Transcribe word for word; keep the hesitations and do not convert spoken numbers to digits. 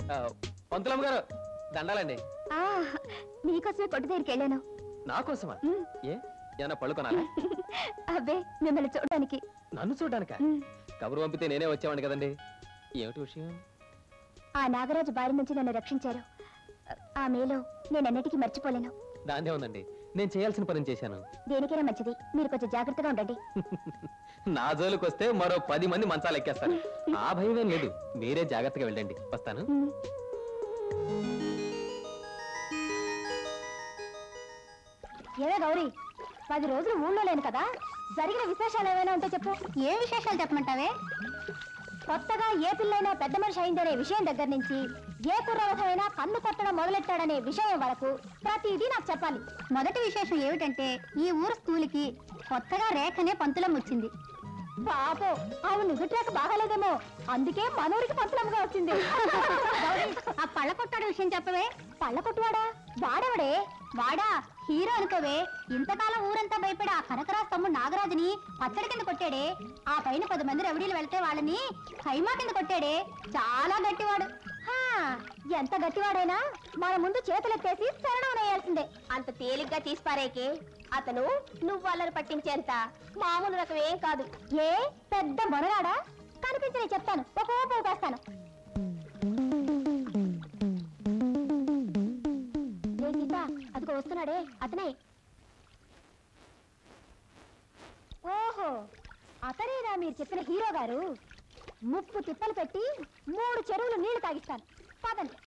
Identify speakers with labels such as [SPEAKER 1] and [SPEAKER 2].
[SPEAKER 1] పంతులమ్మ గారు దండాలండి.
[SPEAKER 2] నీకోసమే కొట్టు దగ్గరికి వెళ్ళాను.
[SPEAKER 1] నా కోసమా? ఏ ఏమన్నా పళ్ళు కొనాలా?
[SPEAKER 2] అబ్బే మిమ్మల్ని చూడడానికి.
[SPEAKER 1] నన్ను చూడడానిక? కబురు పంపితే నేనే వచ్చేవాడిని కదండి. ఏమిటి విషయం?
[SPEAKER 2] ఆ నాగరాజు బారి నుంచి నన్ను రక్షించారు. ఆ మేలో నేను అన్నిటికీ మర్చిపోలేను.
[SPEAKER 1] దాన్నే ఉందండి, నేను చేయాల్సిన పని చేశాను.
[SPEAKER 2] దేనికైనా మంచిది, మీరు కొంచెం జాగ్రత్తగా ఉండండి.
[SPEAKER 1] నా జోలికి వస్తే మరో పది మంది మంచాలు ఎక్కేస్తారు. ఆ భయమేం లేదు, మీరే జాగ్రత్తగా వెళ్ళండి. వస్తాను.
[SPEAKER 2] ఏవే గౌరీ, పది రోజులు ఊళ్ళో లేను కదా, జరిగిన విశేషాలు ఏమైనా ఉంటే చెప్పు. ఏ విశేషాలు చెప్పమంటావే? కొత్తగా ఏ పిల్లైనా పెద్ద మనిషి అయిందనే విషయం దగ్గర నుంచి ఏ కుర్రవధమైనా కన్ను కొట్టడం మొదలెట్టాడనే విషయం వరకు ప్రతిదీ నాకు చెప్పాలి. మొదటి విశేషం ఏమిటంటే, ఈ ఊరు స్కూల్కి కొత్తగా రేఖనే పంతులం వచ్చింది. పాపో, ఆమె నుదుట్రేక బాగాలేదేమో, అందుకే మనూరికి పంతులంగా వచ్చింది. ఆ పళ్ళ కొట్టాడు విషయం చెప్పవే. పళ్ళ కొట్టువాడా? వాడెవడే? వాడా హీరో అనుకోవే. ఇంతకాలం ఊరంతా భయపడి ఆ కనకరాజు తమ్ముడు నాగరాజుని పచ్చడి కింద కొట్టాడే. ఆ పైన పది మంది రవిడీలు వెళ్తే వాళ్ళని ఖైమా కింద కొట్టాడే. చాలా గట్టివాడు. ఎంత గట్టివాడైనా మన ముందు చేతులెత్తేసి శరణం వేయాల్సిందే. అంత తేలిగ్గా తీసిపారేకే అతను నువ్వు వాళ్ళని పట్టించేంత మామూలు రకం ఏం కాదు. ఏ పెద్ద మొనరాడా? కనిపించని చెప్తాను, ఒక ఊపు ఊపేస్తాను. అదిగో వస్తున్నాడే, అతనే. ఓహో, అతనేనా మీరు చెప్పిన హీరో గారు? ముప్పు తిప్పలు పెట్టి మూడు చెరువులు నీళ్లు తాగిస్తాను. పదండి.